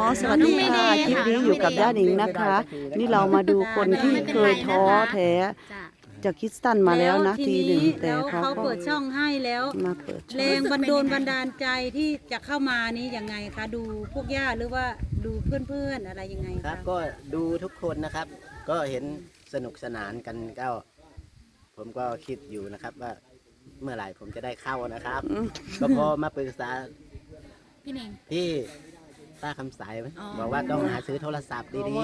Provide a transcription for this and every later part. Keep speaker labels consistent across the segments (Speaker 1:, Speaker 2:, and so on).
Speaker 1: สวัสดีค่ะคลิปนี้อยู่กับย่าหนิงนะคะ นี่เรามาดูคนที่เคยท้อแท้จากคริสตันมาแล้วนะทีหนึ่งแต่เขาก็
Speaker 2: เปิดช่องให้แล้ว
Speaker 1: มาเปิดช่
Speaker 2: แร
Speaker 1: อง
Speaker 2: งบันดาลใจที่จะเข้ามานี้ยังไงคะดูพวกย่าหรือว่าดูเพื่อนๆอะไรยังไง
Speaker 3: ครั
Speaker 2: คะ
Speaker 3: บก็ดูทุกคนนะครับ ก็เห็นสนุกสนานกันก็ผมก็คิดอยู่นะครับว่าเมื่อไหร่ผมจะได้เข้านะครับ ก็พอมาปรึกษา
Speaker 2: พี่เน่ง
Speaker 3: ที่ป้าคำสายบอกว่าต้องหาซื้อโทรศัพท์ดี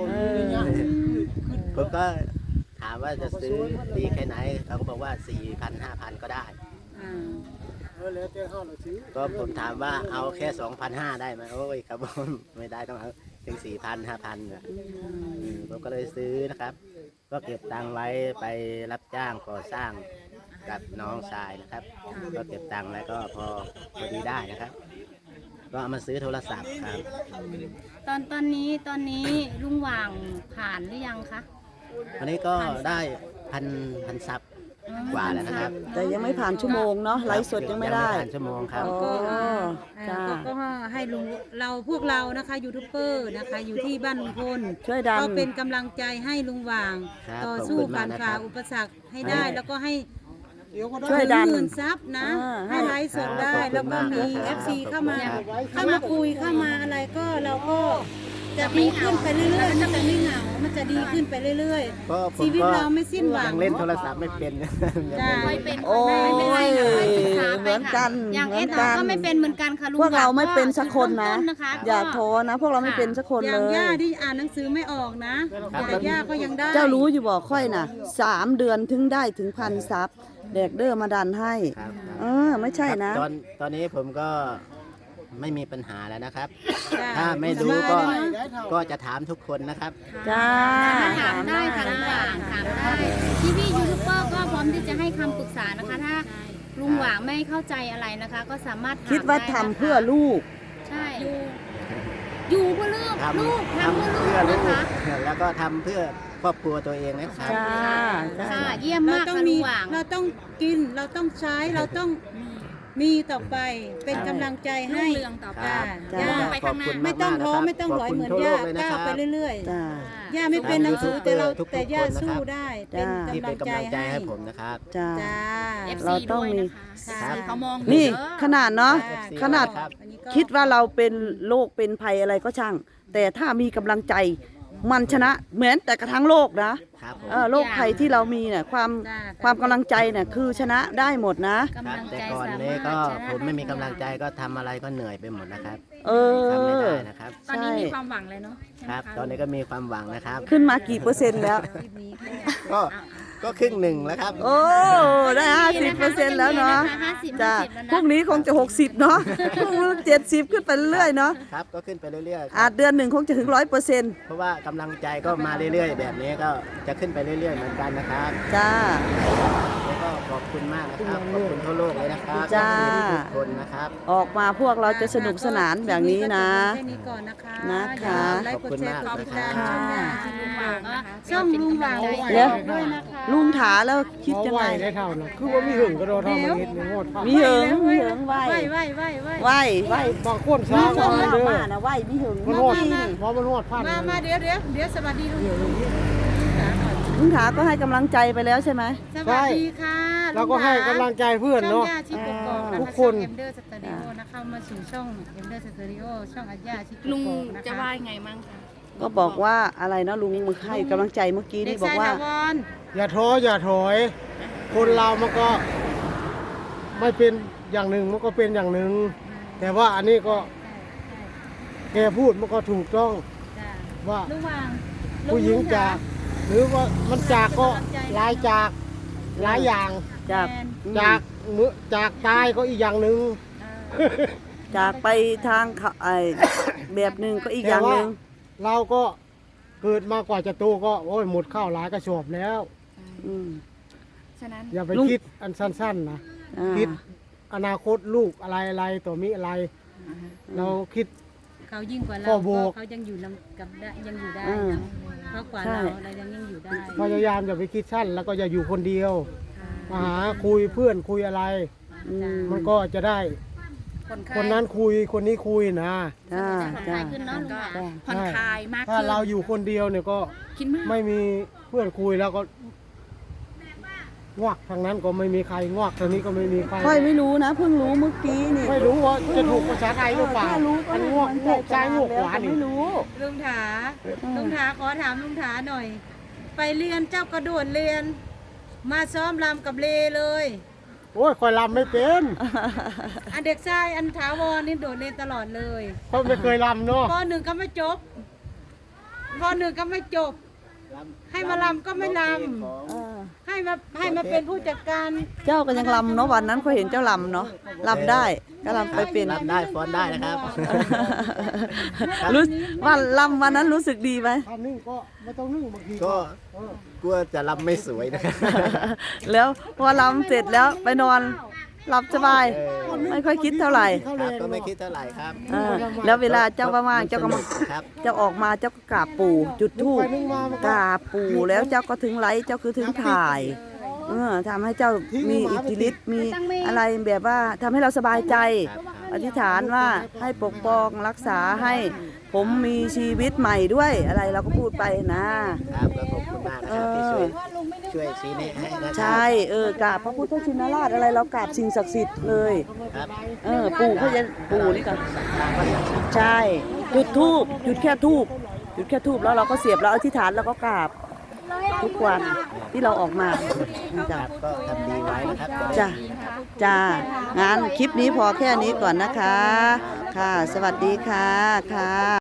Speaker 3: ๆผมก็ถามว่าจะซื้อดีแค่ไหนเขาก็บอกว่า 4,000 5,000 ก็ได้
Speaker 2: อ่า
Speaker 3: ก็ผมถามว่าเอาแค่ 2,500 ได้ไหมโอ้ยครับผมไม่ได้ต้องเอาถึง 4,000 5,000เนี่ยผมก็เลยซื้อนะครับ ก็เก็บตังค์ไว้ไปรับจ้างก่อสร้างกับน้องชายนะครับ ก็เก็บตังค์ไว้ก็พอดีได้นะครับ ก็เอามาซื้อโทรศัพท์ครับ
Speaker 4: ตอนนี้ลุงหว่างผ่านหรือยังคะ
Speaker 3: วันนี้ก็ได้พันซับกว่าแล้วนะครับ
Speaker 1: แต่ยังไม่ผ่านชั่วโมงเนาะไลฟ์สดยังไม่ได้
Speaker 3: ผ่านชั่วโมงครับ
Speaker 1: อ๋อ จ้า
Speaker 2: ก็ให้ลุงพวกเรานะคะยูทูบเบอร์นะคะอยู่ที่บ้านลุงพล
Speaker 1: ช่วยดัน
Speaker 2: ก็เป็นกำลังใจให้ลุงหว่าง
Speaker 3: ครับ
Speaker 2: ต่อสู้
Speaker 3: ขอบคุณาก
Speaker 2: ผ่ามน
Speaker 3: นะค
Speaker 2: ฝ่า
Speaker 3: รับ
Speaker 2: อุปสรรคให้ได้แล้วก็ให้
Speaker 1: ช่วยดัน
Speaker 2: หมื่นซับนะ
Speaker 1: ให้
Speaker 2: ให้ไลฟ์สดได้
Speaker 3: ครับ
Speaker 2: แล้วก็มี
Speaker 3: ขอบคุณมาก
Speaker 2: FC เข้ามา
Speaker 3: ครับ
Speaker 2: เข้ามาคุยเข้ามาอะไรก็เราก็จะดีขึ้นไปเรื่อยๆมันจะไม่เหงามันจะดีขึ้นไปเรื่อย
Speaker 3: ก็ผม
Speaker 2: ชีวิต
Speaker 3: ก็
Speaker 2: เราไม่สิ้นหวัง
Speaker 3: ยังเล่นโทรศัพท์ไม่เป็น
Speaker 2: จ้า
Speaker 4: ไม่เป็น
Speaker 1: โอ้ย
Speaker 4: ไม่เป็นไรค่ะค่อยศึกษา
Speaker 1: เห
Speaker 4: ไป
Speaker 1: มือนกั
Speaker 4: ค่ะ
Speaker 1: น
Speaker 4: อย่าง
Speaker 1: เหมื
Speaker 4: เอ
Speaker 1: อน
Speaker 4: ส
Speaker 1: กัน
Speaker 4: ก็ไม่เป็นเหมือนกันค่ะลุง
Speaker 1: พวกเราไม่เป็นสักคนนะ
Speaker 4: จุดเริ่มต้นะคะ
Speaker 1: อย่าโทษนะ พวกเราไม่เป็นสักคน
Speaker 2: อ
Speaker 1: เล
Speaker 2: ย่าง
Speaker 1: ย
Speaker 2: ย่าที่อ่านหนังสือไม่ออกนะแต่ย่าก็ยังได้
Speaker 1: เจ้ารู้อยู่บอกค่อยน่ะ3 เดือนถึงได้ถึงพันซับแดกเดอร์มาดันให้
Speaker 3: ครับครับ
Speaker 1: ไม่ใช่นะ
Speaker 3: ครับตอนนี้ผมก็ไม่มีปัญหาแล้วนะครับ
Speaker 2: จ้ะ
Speaker 3: ถ้าไม่รู้ก็จะถามทุกคนนะครับ
Speaker 1: จ้า
Speaker 4: ถามได้ค่ะลุงหว่างถามได้พี่ยูทูบเบอร์ก็พร้อมที่จะให้คำปรึกษานะคะ ถ้าลุงหว่างไม่เข้าใจอะไรนะคะ ก็สามารถถม
Speaker 1: คิดว่า
Speaker 4: ไ
Speaker 1: ทำเพื่อลูก
Speaker 4: ใช่อยู่เพื่อลูก
Speaker 3: ทำ
Speaker 4: ลูกทำเพื่อลู
Speaker 3: เพื่อก ลู
Speaker 4: นะ
Speaker 3: ก
Speaker 4: คะ
Speaker 3: แล้วก็ทำเพื่อครอบครัวตัวเองนะครับ
Speaker 1: จ้า
Speaker 4: ค่ะเยี่ยม
Speaker 2: เรา
Speaker 4: มาก
Speaker 2: ต้อง
Speaker 4: ค่ะลุ
Speaker 2: มี
Speaker 4: งหว่าง
Speaker 2: เราต้องกินเราต้องใช้เราต้องมีต่อไปเป็นกำลังใจให้
Speaker 4: รุ่งเรืองต่อไป
Speaker 2: จ้า
Speaker 4: มองไปข้างหน้า
Speaker 3: ขอบคุณ
Speaker 2: ไม่ต้องท้อ
Speaker 3: ากๆนะครับ
Speaker 2: ไม่ต้องถอยเหมือน
Speaker 3: ขอบคุณ
Speaker 2: ย่า
Speaker 3: ทั่วโลกเลยนะ
Speaker 2: ก้าว
Speaker 3: ครับ
Speaker 2: ไปเรื่อย
Speaker 1: จ้า
Speaker 2: ๆย่าไม่เป็นหนังสือแต่เรา
Speaker 3: ทุกๆ
Speaker 2: แต่ย่า
Speaker 3: คนนะครับ
Speaker 2: สู้ได้เป็น
Speaker 1: จ้า
Speaker 3: ที่
Speaker 2: กำ
Speaker 3: เป็
Speaker 2: ลั
Speaker 3: น
Speaker 2: ง
Speaker 3: กำ
Speaker 2: ใจ
Speaker 3: ลังใจ
Speaker 2: ให้
Speaker 3: ให้ผมนะครับ
Speaker 1: จ้า
Speaker 2: จ้า
Speaker 4: FC
Speaker 1: เราต้อง
Speaker 4: ด้วย
Speaker 1: มี
Speaker 4: นะคะ
Speaker 3: ครับ
Speaker 4: เขามอง
Speaker 1: นี่
Speaker 4: เยอะ
Speaker 1: ขนาดเนาะ
Speaker 2: จ้า
Speaker 1: ขนาด
Speaker 3: ครับ
Speaker 2: อันนี้ก็
Speaker 1: คิดว่าเราเป็นโรคเป็นภัยอะไรก็ช่าง แต่ถ้ามีกำลังใจมันชนะเหมือนแต่กระทั่งโลกนะครับ
Speaker 3: ผม
Speaker 1: โรคภัยที่เรามีเนี่ยความกำลังใจเนี่ยคือชนะได้หมดนะ
Speaker 3: ครับ
Speaker 4: กำลัง
Speaker 3: แต่
Speaker 4: ใจ
Speaker 3: ก่อน
Speaker 4: สา
Speaker 3: นี้
Speaker 4: มารถ
Speaker 3: ก็
Speaker 4: ชนะ
Speaker 3: ผมไม่มีกำลังใจก็ทำอะไรก็เหนื่อยไปหมดนะครับ
Speaker 1: เอ
Speaker 3: ทำไม่
Speaker 1: อ
Speaker 3: ได้นะครับ
Speaker 4: ตอนนี้
Speaker 1: ใช่
Speaker 4: มีความหวังเลยเนาะใช่ไหม
Speaker 3: ครับ
Speaker 4: ะ
Speaker 3: ตอนนี้ก็มีความหวังนะครับ
Speaker 1: ขึ้นมากี่เปอร์เซ็นต์แล้ว
Speaker 3: ก็ก็ครึ่งหนึ่งแล้วครับ
Speaker 1: โอ้ได้50%แล้วเนาะ
Speaker 4: 50%
Speaker 1: จ้า
Speaker 4: แล้วนะ
Speaker 1: พวกนี้คงจะ60เนาะพวกนี้70ขึ้นไปเรื่อยๆเนาะ
Speaker 3: ครับก็ขึ้นไปเรื่อยๆค
Speaker 1: อา
Speaker 3: รั
Speaker 1: จ
Speaker 3: บ
Speaker 1: เดือนหนึ่งคงจะถึง100%
Speaker 3: เพราะว่ากำลังใจก็มาเรื่อยๆ แบบนี้ก็จะขึ้นไปเรื่อยๆเหมือนกันนะครับ
Speaker 1: จ้า
Speaker 3: แล้วก็ขอบคุณมากนะครับขอบคุณทั่วโลกเลยนะครับ
Speaker 1: จ้า
Speaker 3: ทุกคนนะครับ
Speaker 1: ออกมาพวกเราจะสนุกสนานแบบนี้นะ
Speaker 2: แค่นี้ก่อนนะคะ
Speaker 1: นะคะ
Speaker 2: อย่าลืมไลค์กดแชร์กดติดตาม
Speaker 1: ค่ะ
Speaker 2: ช่องลุงหว่าง
Speaker 1: เดี๋ยว
Speaker 2: ด้วยนะคะ
Speaker 1: ลุงถาแล้วคิดยังไง
Speaker 5: ได้เท่านะคือว่ามีหึงก็โดนเท่ามันนิดนึงโหดผ้า
Speaker 1: มีเหิงมีเหิงไหว
Speaker 2: ไหว
Speaker 1: ไหว
Speaker 5: บางคน
Speaker 1: มี
Speaker 5: ช้า
Speaker 1: ช
Speaker 5: ก็
Speaker 1: ม
Speaker 5: มา
Speaker 1: มา
Speaker 5: เด้อ
Speaker 1: มานะไหวมีเหิง
Speaker 5: มัน
Speaker 1: มา
Speaker 5: โหด
Speaker 1: ที่นี่
Speaker 5: เพราะมันโหดผ้า
Speaker 2: มาเดี๋ยวสวัสดีลุง
Speaker 1: ลุงถาก็ให้กำลังใจไปแล้วใช่ไหม
Speaker 2: สวัสดีค่ะ
Speaker 5: เราก็ให้กำลังใจเพื่อน
Speaker 2: ช่อง
Speaker 5: เนาะ
Speaker 2: ย่าชิปกกอกนะ
Speaker 5: ทุ
Speaker 2: คะ
Speaker 5: กค
Speaker 2: ช่อง
Speaker 5: น
Speaker 2: เอ็มเดอร์สตูดิโอนะเข้ามาสู่ช่องเอ็มเดอร์สตูดิโอช่องอัญญาชิปก
Speaker 4: ลุง
Speaker 2: กอกนะคะ
Speaker 4: จะว่ายังไงมั่งคะ
Speaker 1: ก็บอกว่าอะไรนะลุงมือให้กำลังใจเมื่อกี้
Speaker 2: เด็
Speaker 1: นี่
Speaker 2: ก
Speaker 1: บอก
Speaker 2: ชาย
Speaker 1: ว่า
Speaker 2: ถาวร
Speaker 5: อย่าท้ออย่าถอย คนเรามันก็ไม่เป็นอย่างหนึ่งมันก็เป็นอย่างหนึ่ง แต่ว่าอันนี้ก็แกพูดมันก็ถูกต้อง
Speaker 2: จ้ะ
Speaker 5: ว่า
Speaker 2: ลุงวาง
Speaker 5: ผู้หญิงจาก หรือว่ามันจากก็หลายจากหลายอย่าง
Speaker 1: จาก
Speaker 5: จากมือจากตายก็อีกอย่างหนึ่ง
Speaker 1: จากไปทางเขาแบบหนึ่งก็อีกอย่างหนึ่ง
Speaker 5: เราก็เกิดมากว่าจะโตก็โอ้ยหมดข้าวหลายกระสอบแล้ว
Speaker 1: อืม
Speaker 4: ฉะนั้น
Speaker 5: อย่าไป
Speaker 1: ลุง
Speaker 5: คิดอันสั้นๆนะ
Speaker 1: อ่า
Speaker 5: คิดอนาคตลูกอะไรต่อมีอะไร เราคิด
Speaker 2: เขายิ่งกว่าเรา
Speaker 5: พ่อโบก
Speaker 2: เขายังอยู่กับได้ยังอยู่ได้
Speaker 1: อ่า
Speaker 2: นะเพราะกว่า
Speaker 1: ใช่
Speaker 2: เรายังอยู่ได้
Speaker 5: พยายามอย่าไปคิดสั้น แล้วก็อย่าอยู่คนเดียวมาหาคุยเพื่อนคุยอะไร
Speaker 1: อืม
Speaker 5: มันก็จะได้คนนั้นคุยคนนี้คุยนะ
Speaker 1: จ้า
Speaker 4: ผ่อนค
Speaker 1: จ้า
Speaker 4: ลายขึ้นเนาะลุงหว่าง
Speaker 1: จ้า
Speaker 6: ผ่อนคลายมาก
Speaker 5: ถ้า
Speaker 6: ขึ้น
Speaker 5: เราอยู่คนเดียวเนี่ยก็
Speaker 6: คิดมาก
Speaker 5: ไม่มีเพื่อนคุยแล้วก็งวกทางนั้นก็ไม่มีใครงวกทางนี้ก็ไม่มีใคร
Speaker 1: ค่อยไม่รู้นะเพิ่งรู้เมื่อกี้นี่
Speaker 5: ไม่รู้ว่าจะถูกภาษาไทยหรือเปล่า
Speaker 1: ถ้ารู้ก็
Speaker 5: อัน
Speaker 1: ให้
Speaker 5: งวก
Speaker 1: มัน
Speaker 5: งวกซ้ายงวกขวา
Speaker 1: แต่
Speaker 5: นี่
Speaker 1: ไม่รู้
Speaker 2: ลุงถาลุงถาขอถามลุงถาหน่อย ไปเรียนเจ้ากระโดดเรียน มาซ้อมรำกับเลเลย
Speaker 5: โอ้ยคอยลำไม่เป็น
Speaker 2: อันเด็กชายอันถาวรนี่โดดเรียนตลอดเลย
Speaker 5: เพราะไม่เคยลำเนาะ
Speaker 2: ปหนึ่งก็ไม่จบปหนึ่งก็ไม่จบ ให้มาลำก็ไม่ลำให้มาเป็นผู้จัดการ
Speaker 1: เจ้าก็ยังลำเนาะวันนั้นก็เห็นเจ้าลำเนาะลำได้ก็ลำไปเป็น
Speaker 3: รับได้ฟ้อนได้นะครับ
Speaker 1: รู้ว่าลำวันนั้นรู้สึกดีไหม
Speaker 5: ถ้านึ่งก็ไม่ต้องนึ่งบางที
Speaker 3: ก็กลัวจะรับไม่สวยนะครับ
Speaker 1: แล้วพอลำเสร็จแล้วไปนอนหลับสบาย ไม่ค่อยคิดเท่าไหร่
Speaker 3: ครับก็ไม่คิดเท่าไหร่ครับ
Speaker 1: แล้วเวลาเจ้าว่างๆเจ้าก็มา
Speaker 3: ครับ
Speaker 1: เจ้าออกมาเจ้าก็กราบปู่จุดธูป
Speaker 5: นึ่งมามัน
Speaker 1: ก
Speaker 5: ก็
Speaker 1: ราบปู่แล้วเจ้าก็ถึงไลฟ์เจ้าคือถึงถ่ายทำให้เจ้ามีอิทธิฤทธิ์มีอะไรแบบว่าทำให้เราสบายใจ อธิษฐานว่าให้ปกป้องรักษาให้ผมมีชีวิตใหม่ด้วยอะไรเราก็พูดไปนะ
Speaker 3: ครับก็ขอบคุณมากนะครับที่ช่วยชี้แนะให้นะครับ
Speaker 1: ใช่กราบพระพุทธชินราชอะไรเรากราบสิ่งศักดิ์สิทธิ์เลย
Speaker 3: ครับ
Speaker 1: ปู่เขาจะปู่นี่ก่อนใช่จุดทูบจุดแค่ทูบจุดแค่ทูบแล้วเราก็เสียบแล้วอธิษฐานแล้วก็กราบทุกวันที่เราออกมา
Speaker 3: ค
Speaker 1: จ้ะ
Speaker 3: รับก็ทำดีไว้นะครับ
Speaker 1: จ้ะจ้างานคลิปนี้พอแค่นี้ก่อนนะคะ ค่ะ สวัสดีค่ะค่ะ